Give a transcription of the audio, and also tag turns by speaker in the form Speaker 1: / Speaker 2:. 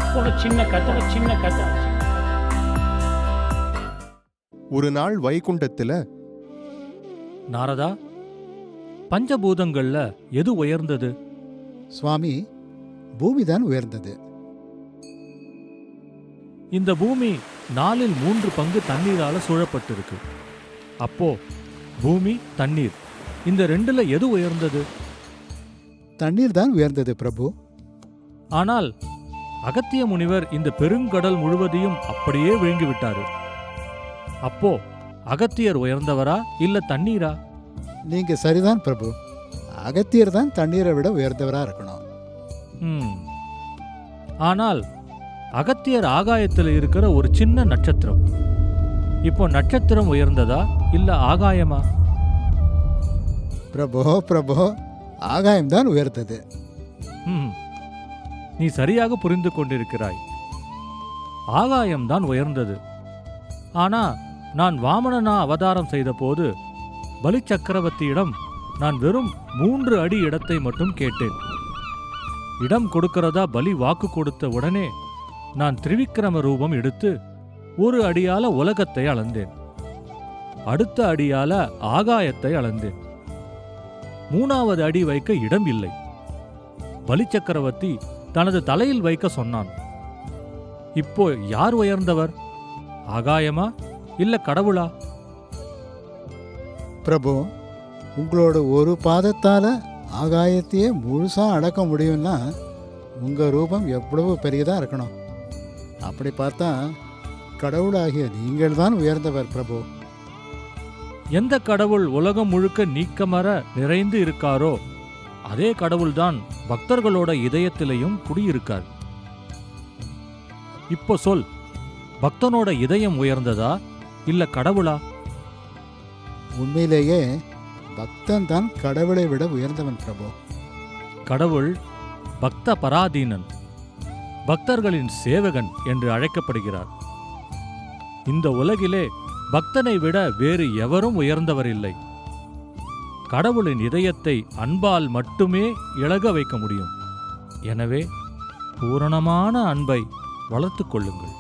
Speaker 1: ஒரு சின்ன கதை.
Speaker 2: ஒரு நாள் வைகுண்டத்துல
Speaker 3: நாரதா, பஞ்சபூதங்கள்ல எது உயர்ந்தது?
Speaker 4: சுவாமி, பூமிதான் உயர்ந்தது.
Speaker 3: இந்த பூமி 4/3 பங்கு தண்ணீரால சூழப்பட்டிருக்கு. அப்போ பூமி, தண்ணீர், இந்த ரெண்டுல எது உயர்ந்தது?
Speaker 4: தண்ணீர் தான் உயர்ந்தது பிரபு.
Speaker 3: ஆனால் அகத்திய முனிவர் இந்த பெருங்கடல் முழுவதையும் அப்படியே விழுங்கி விட்டாரு. அப்போ அகத்தியர் உயர்ந்தவரா இல்ல தண்ணீரா?
Speaker 4: நீங்க சரிதான் பிரபு. அகத்தியர் தான் தண்ணீரை விட உயர்ந்தவரா இருக்கணும்.
Speaker 3: ஆனால் அகத்தியர் ஆகாயத்தில் இருக்கிற ஒரு சின்ன நட்சத்திரம். இப்போ நட்சத்திரம் உயர்ந்ததா இல்ல ஆகாயமா?
Speaker 4: பிரபு, ஆகாயம்தான் உயர்ந்தது.
Speaker 3: நீ சரியாக புரிந்து கொண்டிருக்கிறாய். ஆகாயம்தான் உயர்ந்தது. ஆனா நான் வாமனனா அவதாரம் செய்த போது பலி சக்கரவர்த்தியிடம் நான் வெறும் 3 அடி இடத்தை மட்டும் கேட்டேன். இடம் கொடுக்கிறதா பலி வாக்கு கொடுத்த உடனே நான் திரிவிக்ரம ரூபம் எடுத்து 1 அடியால உலகத்தை அளந்தேன். அடுத்த அடியால ஆகாயத்தை அளந்தேன். 3வது அடி வைக்க இடம் இல்லை. பலி சக்கரவர்த்தி தனது தலையில் வைக்க சொன்னான். இப்போ யார் உயர்ந்தவர்? ஆகாயமா இல்ல கடவுளா?
Speaker 4: பிரபு, உங்களோட ஒரு பாதத்தால ஆகாயத்தையே முழுசா அடக்க முடியும்னா உங்க ரூபம் எவ்வளவு பெரியதா இருக்கணும். அப்படி பார்த்தா கடவுளாகிய நீங்கள் தான் உயர்ந்தவர் பிரபு.
Speaker 3: எந்த கடவுள் உலகம் முழுக்க நீக்கமற நிறைந்து இருக்காரோ அதே கடவுள்தான் பக்தர்களோட இதயத்திலையும் குடியிருக்கார். இப்போ சொல், பக்தனோட இதயம் உயர்ந்ததா இல்ல கடவுளா?
Speaker 4: உண்மையிலேயே பக்தன் தான் கடவுளை விட உயர்ந்தவன் பிரபு.
Speaker 3: கடவுள் பக்த பராதீனன், பக்தர்களின் சேவகன் என்று அழைக்கப்படுகிறார். இந்த உலகிலே பக்தனை விட வேறு எவரும் உயர்ந்தவர் இல்லை. கடவுளின் இதயத்தை அன்பால் மட்டுமே இளக வைக்க முடியும். எனவே பூரணமான அன்பை வளர்த்துக் கொள்ளுங்கள்.